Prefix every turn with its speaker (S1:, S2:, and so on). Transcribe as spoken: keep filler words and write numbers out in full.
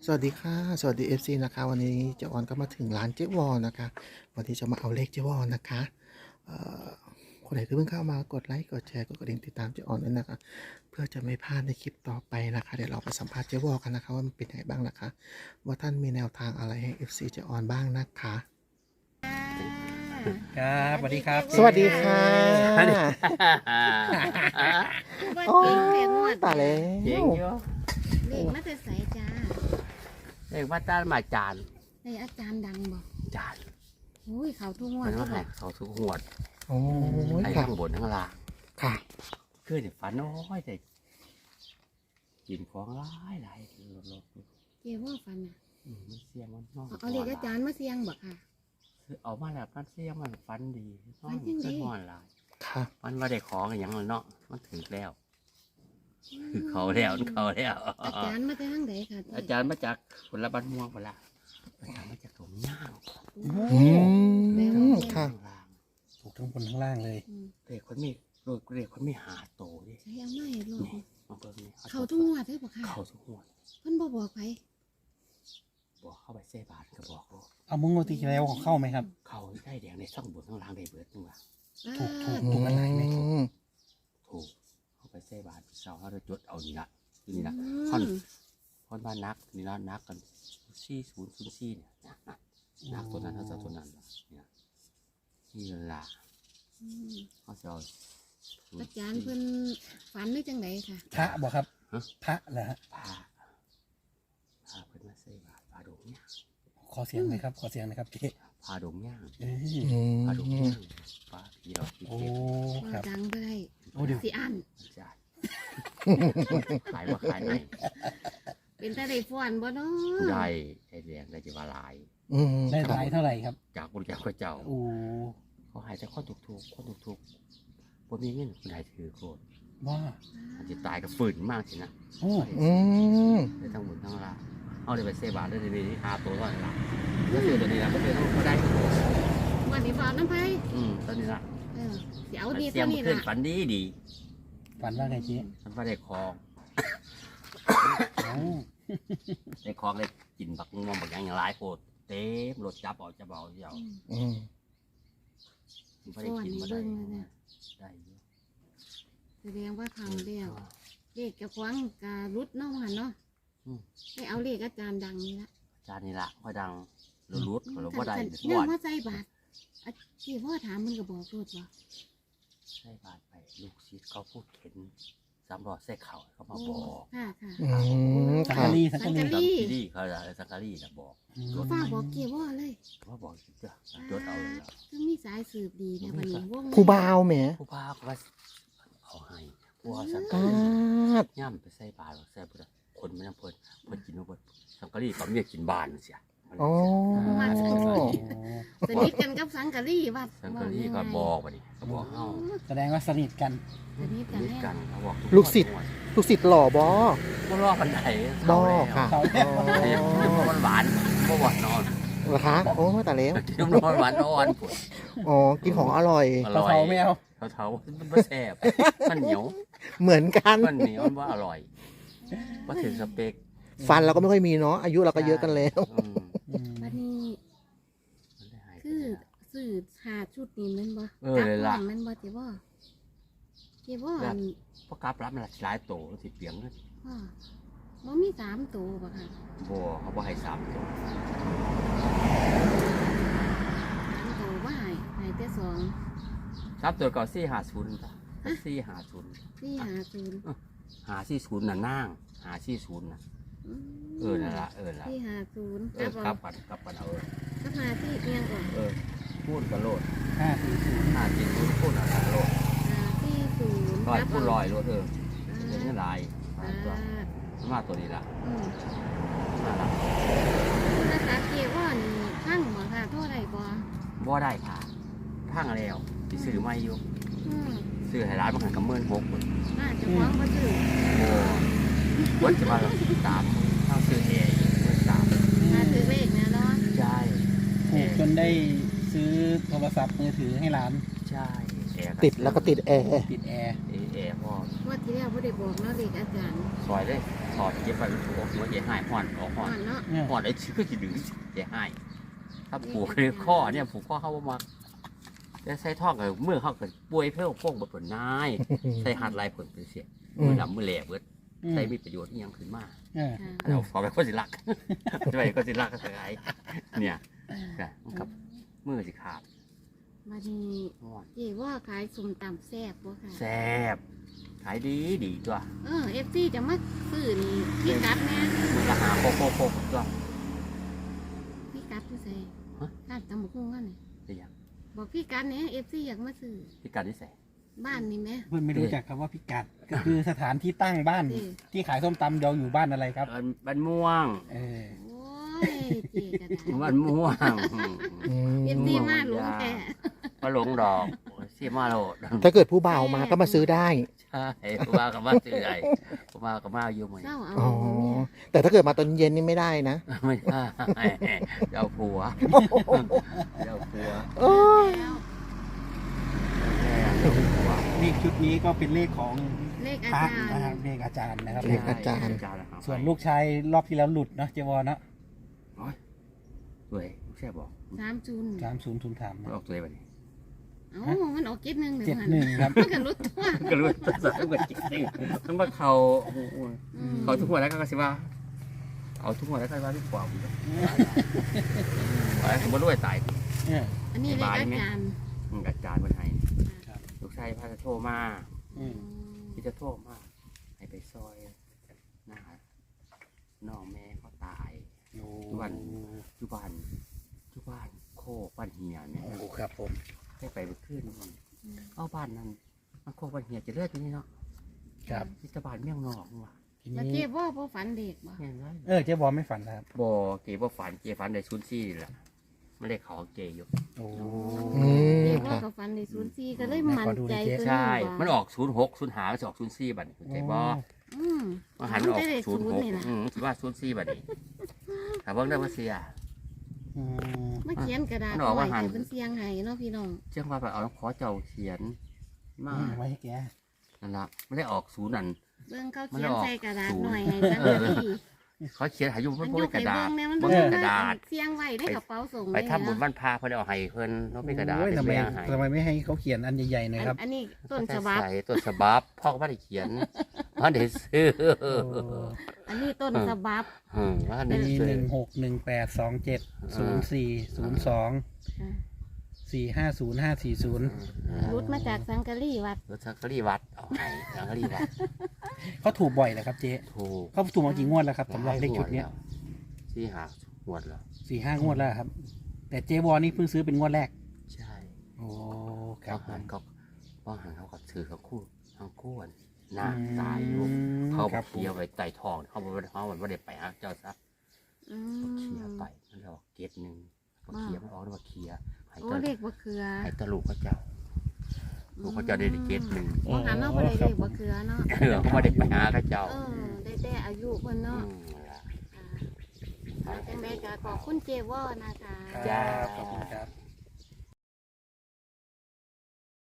S1: วัสดีค่ะสวัสดี เอฟ ซี นะคะวันนี้เจ๊ออนก็มาถึงร้านเจ๊วอนะคะวันที่จะมาเอาเลขเจ๊วอนะคะเอ่อคนไหนที่เพิ่งเข้ามากดไลค์กดแชร์กดกระดิ่งติดตามเจ๊ออนด้วยนะคะเพื่อจะไม่พลาดในคลิปต่อไปนะคะเดี๋ยวเราไปสัมภาษณ์เจ๊วอกันนะคะว่ามันเป็นยังไงบ้างนะคะว่าท่านมีแนวทางอะไรให้ เอฟ ซี เจ๊ออนบ้างนะคะ
S2: ครับสวัสดีครับ
S1: สวัสดีค่ะ
S3: ว่า
S1: โอ้
S3: เก่งแต่งวด
S1: ตายแล้
S2: เก่ง
S1: ว
S2: เยอะ
S3: เลขมาแต่ใสจ้า
S2: เรียกว่าต้านมาจาน
S3: ในอาจารย์ดังบอก
S2: จาน
S3: อุ้ยเขาทุกงว
S2: มั
S3: ด
S2: น
S3: ก็
S2: ว่า
S3: บ
S2: ให้
S3: อก
S2: เขาทุกหวด
S1: โอ้ย
S2: ไอ้
S1: ค่ะ
S2: ข้างบนข้างล่าง
S1: ค่ะ
S2: คือเดี๋ยวฝันน้อยแต่กินของร้ายหลายลดลด
S3: เกี่ว่าฟันอ่ะ
S2: มันเสียงมันน้อย
S3: เอาเอาเลขอาจารย์มาเสียงบอกค่ะ
S2: คือเอามาแล้วมันเสียงมันฟันดีน้อ
S3: ฟั
S2: ย
S3: นจังไง
S2: ขึ้นหอนหลาย
S1: ค่ะ
S2: มันว่าได้ของอย่างนั้นเนาะมันถึงแล้วคือเขาแล้วเขาแล้ว
S3: อาจารย์มาแต่ทางไหนค่ะ
S2: อาจารย์มาจากผลบ้านม่วงไปละอาจารย์มาจากตรงย่าง
S1: อืมค่ะ
S2: ข้างล่าง
S4: ถูกทั้งบนทั้งล่างเลย
S3: อืม
S2: เด็กคนมีเด็กคนมีหาโตดิ
S3: ใช้เอาไม่รอด
S2: นี่มาเบิ่งนี่
S3: เขาทุกงวดได้บอกค่ะ
S2: เขาทุกงวด
S3: เพิ่นบอกบอกไป
S2: บอกเข้าไปเส้บาทก็บอกโลด
S4: เอามุ้งโมตีแล้วของเข้าไหมครับ
S2: เขาได้แดงในช่องบนข้างล่างได้เบิดนึงว่ะ
S4: ถูกถูก
S3: อ่า
S4: ถูกอะไรไหม
S1: อืม
S2: ถูกเข้าไปเส้บาทเสาเขาจะจดเอานี่ละคือนี่ละ
S3: อื
S2: ท่อน
S3: ม
S2: ท่อนบ้านนักนี่ละนักกันสี่ศูนย์ศูนย์สี่เนี่ยนะนะนักตัวนั้นเท่ากับตัวนั้นล่ะเนี่ยนี่ละ
S3: อืม
S2: เขาจะเอา
S3: อาจารย์เพิ่นฝันได้จังไหนค่ะ
S4: พระบอกครับพระเหรอฮะ
S2: พาพาเพิ่นมาเส้บาทพาดงเนี่ย
S4: ขอเสียงหน่อยครับขอเสียงหน่อยครับเจ๊
S2: พาดงย่าง
S4: เอ้ย
S1: อื
S2: พาดง
S1: ม
S2: ย่างพาพี่เราพี่
S4: โอ้
S2: เก็บ
S4: ค
S3: ว่า
S4: รับ
S3: ดังไปได้
S4: โอ้เดี๋ยว
S3: สิอัน
S2: จ่ายขายว่าขายไหน
S3: เป็นแต่ได้ฟ้อนบ่เนาะ
S2: ผู้ใดได้แดงได้จะว่าหลาย
S1: อืม
S4: ได้หลายเท่าไหร่ครับ
S2: จากบริจาคข้าเจ้า
S4: โอ้
S2: เขาหายแต่ข้อถูกถูกๆข้อถูกถูกๆบ่มีเงินผู้ใดถือโคตร
S4: ว่า
S2: อาจจะตายกับฝืนมากสินะ
S4: โอ้
S1: อืม
S2: ได้ทั้งหมดทั้งลาเอาเลยไปเซบาทเลยในนี้หาตัวก่อนละก็คือตัวนี้ละก็คือต้องเขาได้
S3: วันนี้ฟ้อนน้ำไผ
S2: อืมตอนนี้ละ
S3: เออสิเอาดี
S2: เสี
S3: ตั
S2: ยว ง
S3: นี้
S2: ขึ้น
S3: ล่ะ
S2: ฝันดีดี
S4: ฝันว่าไงเจ๊
S2: มันว่าได้คอง
S4: โอ้
S2: ได้คองได้กินบักม่วงบักหยังอย่างหลายโคตรเต็มรถจับเอาจับเอาเจ้า
S3: อืม
S1: อืม
S2: มันบ่ได้กินมาได้ได้อยู่
S3: แสดงว่าเขาแล้วเลขกระควังกะรุดเนาะหันเนาะได้เอาเลขอาจารย์ดังนี่ละ
S2: จานนี้ละค่อยดังรุดๆเขาบ่ได้
S3: เนี่
S2: บวช
S3: ว่าใจบาทอะที่พ่อถามมันก็บอกรูดว่า
S2: ใช่บาทไปลูกศิษย์เขาพูดเข็นสามรอดใส่เข่าเขามาบอก
S3: ค่ะค่ะ
S1: อืม
S4: สัง
S1: ค่ะ
S4: กะรีสัง
S3: สั
S4: กะ
S3: ง
S4: รี
S3: กะ
S2: สัง
S3: รี
S2: กีรีเขาอะไรสังการีนะบอก
S4: อืม
S3: เขาฟ้าบอกเกี่ยวว่าเลย
S2: เขาบอกเจ้าจดเอาเลยล่ะ
S3: ก็มีสายสืบดีแต่วันนี้วง
S1: ผู้บ่าวแหม
S2: ผู้พาเขาว่าเอาให้ผู้เอาสัง
S1: ป
S2: การี
S1: าด
S2: ย่ำไปใส่บาตรใส่พุทธคนไม่ต้องเพิ่นเพิ่นกินมาเพิ่นสังการีก็เมียกินบ้านเสีย
S1: โอ้
S4: โอ้
S3: สนิทกันกับสังกะรีวัด
S2: สังการีก็บอกว่านี่เขาบอกเอ้า
S4: แสดงว่าสนิทกัน
S3: สนิทกัน
S2: นิด
S3: แน่
S2: กันเขาบอก
S1: ลูกศิษย์ลูกศิษย์หล่อบอ
S2: บ่รอปันได
S1: บอค่ะ
S4: เขา
S2: เดี๋ยวเดี๋ยวมันหวานบ่หวานนอน
S1: เหรอคะโอ้แต่แล้ว
S2: เดี๋ยวนอนหวานนอนปวด
S1: อ๋อกินของอร่อย
S2: อ
S4: เขา
S2: ร่อย
S4: เขาไม่เอา
S2: เขาเท้ามันบ่แซ่บมันเหนียว
S1: เหมือนกัน
S2: มันเหนียวมันว่าอร่อยว่าถึงสเปก
S1: ฟันเราก็ไม่ค่อยมีเนาะอายุเราก็เยอะกันแล้ว
S2: อืม
S4: อืม
S3: วันนี้
S2: มันได้หายไป
S3: คือ
S2: แล้ว
S3: สื่อหาชุดนี้แมันบ่
S2: เออเลยล่ะ
S3: กบหงแมันบ่เจ้าบ่เจ้าบ่อัน
S2: เพราะกราบรับมันหลายโตสิเปียงเลย
S3: พ่อบ่มีสามตัวบ่ค่ะ
S2: บ่เขาบ่ให้สามโต
S3: สามตัวว่าให้ให้แต่สอง
S2: สามตัวเก่าสี่ห้าศูนย์จ้ะสี่ห้าศูนย์
S3: ที่หาศูนย์
S2: หาสี่ศูนย์น่ะนางหาสี่ศูนย์น่ะ
S3: ม
S2: เออนั่นละเออละ
S3: ที่หาศูนย์
S2: เอ
S3: กั
S2: อบ กลับกันกลับกันเอาเออ
S3: ก็มาที่เอียงก่อน
S2: เออพูดกันโลด
S4: ห้าสี่ศูนย์
S2: หาสี่ศูนย์พูดอะไรโลด
S3: หาที่ศูนย์
S2: ลอย
S3: กับ
S2: พูดลอยโลดเออ
S3: อ่า
S2: เห็นยังไงมาตัว
S3: อ่า
S2: มาตัวนี้ละ
S3: อืม
S2: มาละ
S3: ภาษาเกี่ยวว่านี่ทั้งบ่ค่ะเท่าไหร่บ่
S2: บ่ได้ค่ะพังแล้วสิซื้อไม่อยู่
S3: อืม
S2: ซื้อให้ร้านมันหันกับเมื่อนหกคน
S3: น่าจะฟ้องบ่ซื้อ
S2: โอ้วันจะมาสามเท่าซื้อเองเมื่อสาม
S3: น่าซื้อเลขนะเนาะ
S2: ใช่
S4: ถูกจนได้ซื้อโทรศัพท์มือถือให้ร้าน
S2: ใช่แอร์
S1: ติดแล้วก็ติดแอร์
S4: ติดแอร์
S2: เอ๊ะแอร์พ่อง
S3: วดที่แล้วบ่ได้บอกเนาะเลขอาจารย์
S2: ซอยเลยถอดเก็บไปถูกหัวเจ๊หายห่อนออกห่
S3: ก่
S2: อ
S3: อน นเนาะ
S4: เนี่ย
S2: ห่อนไอ้ชื่อที่ดึงเจ๊หายถ้าผูกคือข้อเนี่ยผูกข้อเข้ามาแล้วใส่ท่อกับเมื่อเขาเกิดป่วยเพื่อพวกบทผลนายใส่หัดลายผลเป็นเสียมือดำมือแหลบเบิดใส่มีประโยชน์อีหยังขึ้นมา
S4: เออ
S3: ค่ะ
S2: เราขอไปก็สิลักจะไปก็สิลักก็สไงเนี่ยกับมือสิขาด
S3: มาดี
S2: ห่อน
S3: เจ๊ว่าขายส้มตำแซ่บบ่ค่ะ
S2: แซ่บขายดีดีตัว
S3: เออ เอฟ ซี จะมาซื้อนี่พี่กัดแน่
S2: มันก็หาโคโคโคตัว
S3: พี่กัดผู้ใส่
S2: ฮะ
S3: ร้านตำบักหุ่งกันนี่
S2: เป็นยัง
S3: บอกพี่กัดเนี่ย เอฟ ซี อยากมาซื้อ
S2: พิการนิสัย
S3: บ้านนี่แหม
S4: เพื่อนไม่รู้จักคำว่าพิกัด ก็คือสถานที่ตั้งบ้าน
S3: เออ
S4: ที่ขายส้มตำเราอยู่บ้านอะไรครับ
S2: บ้านม่วง
S4: เออ
S3: โอ้ยเจ๊ก็ได้
S2: บ้านม่วง
S1: อืม
S3: เอฟ ซี มาหลงแต่
S2: มาหลงดอกเสียมาโลด
S1: ถ้าเกิดผู้บ่าวมาก็มาซื้อได้
S2: ใช่ผมมากับมาซื้อไอ้ผมมากับมาอยู่ไหม
S3: เศร้าเอา
S1: อ๋อ
S3: เนี่ย
S1: แต่ถ้าเกิดมาตอนเย็นนี่ไม่ได้นะ
S2: ไม่ได้เจ้าผัวเจ้าผัว
S1: โอ้ย
S3: แล้ว
S2: เจ้าผัว
S4: เลขชุดนี้ก็เป็นเลขของ
S3: เลขอา
S4: พระ
S3: จาร
S4: นะครับ
S3: ย์
S4: เลขอาจารย์นะครับ
S1: เลขอาจารย์
S4: ส่วนลูกชายรอบที่แล้วหลุดเนาะเจวอเนาะ
S2: สวยแช่บอก
S3: สามจุน
S4: สามศูนย์ศูนย์สาม
S2: ออกตัวแบบนี้
S3: เอ้ามันออกเจ็ดหนึ่งเลย
S4: เจ็ด
S3: มัน
S4: หนึ่งครับ
S3: มันก็รุดตัว
S2: ก็รู้ตัวสวยเหมือนจริงต้องมาเขา
S3: อืม
S2: เขาทุกหัวแล้วก็สิว่า เอาทุกหัวแล้วก็ว่าทุกความไอ้ผมว่าด้วยตาย
S4: เออ
S3: อันนี้เลขอาจารย์
S2: มันกัดจานมันให้
S4: ครับ
S2: ลูกชายพาจะโทรมา
S4: อืม
S2: ที่จะโทรมาให้ไปซอยหน้าน้องแม่เขาตาย
S4: โอ้
S2: วัน จุบันจุบันโคกบ้านเฮียเนี่ย
S4: โอ้ครับผม
S2: ได้ไปไปขึ้นเอาบ้านนั้นมันโคกบ้านเฮียจะเลือดอยู่นี่เนาะ
S4: ครับ
S2: ที่ตะบานเมี่ยงนอกว่ะ
S4: ที
S3: แล้ว
S4: นี้
S3: เจ๊ว่าพ่ฝันเด็กบ่
S2: เห็นไหม
S4: เออเจวอไม่ฝันนะครับ
S2: บ่เก๋บ่ฝันเก๋ฝันได้ชุนซี่แหละไม่ได้เขาเก๋อยู่
S4: โอ้
S1: อืม
S3: เจ๊
S1: ค
S3: ว่า
S1: รับ
S3: กับฝันในศูนย์สี่ก็เลยมั่นใจตัว
S2: ใช่
S3: นี้
S2: มันออกศูนย์หกศูนย์หามันจะออกศูนย์ซี่บัดนี้เก๋บ่
S3: อืม
S2: มันหันออก
S3: ได้เลข
S2: ศูนย์หก
S3: นี่ล่ะ
S2: อืมคิดว่าศูนย์ซี่บัดนี้ถามว่าได้มาเสีย
S4: อืม
S3: มาเขียนกระดาษ
S2: มันออกว่าหัน
S3: ไว้เป็นเสียงไห้เนาะพี่น้อง
S2: เจ้าว่าไปเอาน้ำขอเจ้าเขียนมา
S4: ไว้ให้แก
S2: นั่นละไม่ได้ออกศูนย์นั่น
S3: เบิ่งเขาเขียนใส่กระดาษหน่อยให้สัก
S2: เออ
S3: นาที
S2: เขาเขียนหาอยู่
S3: มั
S2: มัน น
S3: ย
S2: บ่
S3: ก
S2: มีก
S3: ให้
S2: ระดา
S3: เบิ่
S2: ษ
S3: งเนี่ยมัน
S2: บ่
S3: บ่
S2: มี
S3: มี
S2: กระดาษ
S3: เสียงไว้ในกระเป๋าส่ง
S2: ไปทำบุญบ้านพาเพิ่นเอาให้เพิ่นเนาะมีกระดาษ
S4: โอ้ยทำไม
S2: แม่ให้
S4: ทำไมไม่ให้เขาเขียนอันใหญ่ๆหน่อยครับ
S3: อันนี้ต้นฉบับ
S2: ใส่ต้นฉบับพ่อก็ไม่ได้เขียนพ่อได้ซื้อ
S4: โอ้
S3: อันนี้ต้นฉบับ
S2: อืมพ่อ
S4: อั
S2: ได้
S4: นนี้
S2: ซื้
S4: ห
S2: อ
S4: นึ่งหกหนึ่งแปดสองเจ็ดศูนย์สี่ศูนย์สองสี่ห้าศูนย์ห้าสี่ศูนย์
S3: รุดมาจากสังกะรีวัด
S2: รถสังกะรีวัดเอาให้สังกะรีวัด
S4: เขาถูกบ่อยเลยครับเจ๊
S2: ถูก
S4: เขาถูกมากี่งวดแล้วครับสำหรับเลขชุดเนี้ย
S2: ที่หาหวดแล้ว
S4: สี่ห้างวดแล้วครับ แต่เจ๊วอนี่เพิ่งซื้อเป็นงวดแรก
S2: ใช่
S4: โอ้ค
S2: พ่
S4: รั
S2: อบ หันเขาพ่อหันเขาก็ถือทั้งคู่ทั้งคู่นห
S4: อื
S2: น้าม ตายอยู่เขา
S4: ครับ
S2: เคียไปไต่ทองเขาบอกว่าเขาไม่ได้ไปหาเจ้าซะ
S3: อื
S2: เคีย
S3: ม
S2: ไปมันออกเกตหนึ่งมาเคียมันออกแล้วมาเคียให้
S3: โอ้
S2: ตะ
S3: เด็กบ่เคือ
S2: ให้ตะลูกเขาเจ้าลูกเขาเจ้าได้เกตหนึ่ง
S3: บ่หันเนาะบ่ได้เด็กบ่เคือเนาะ
S2: เออเขาไม่ได้ไปหาเขาเจ้า
S3: เออได้แต่อายุเพิ่น
S2: อื
S3: เนาะ
S2: มนั่นล่ะ
S3: ค่ะจังได๋ก็ขอบคุณเจวอนะคะ
S2: จ้า
S4: ขอบคุณครับ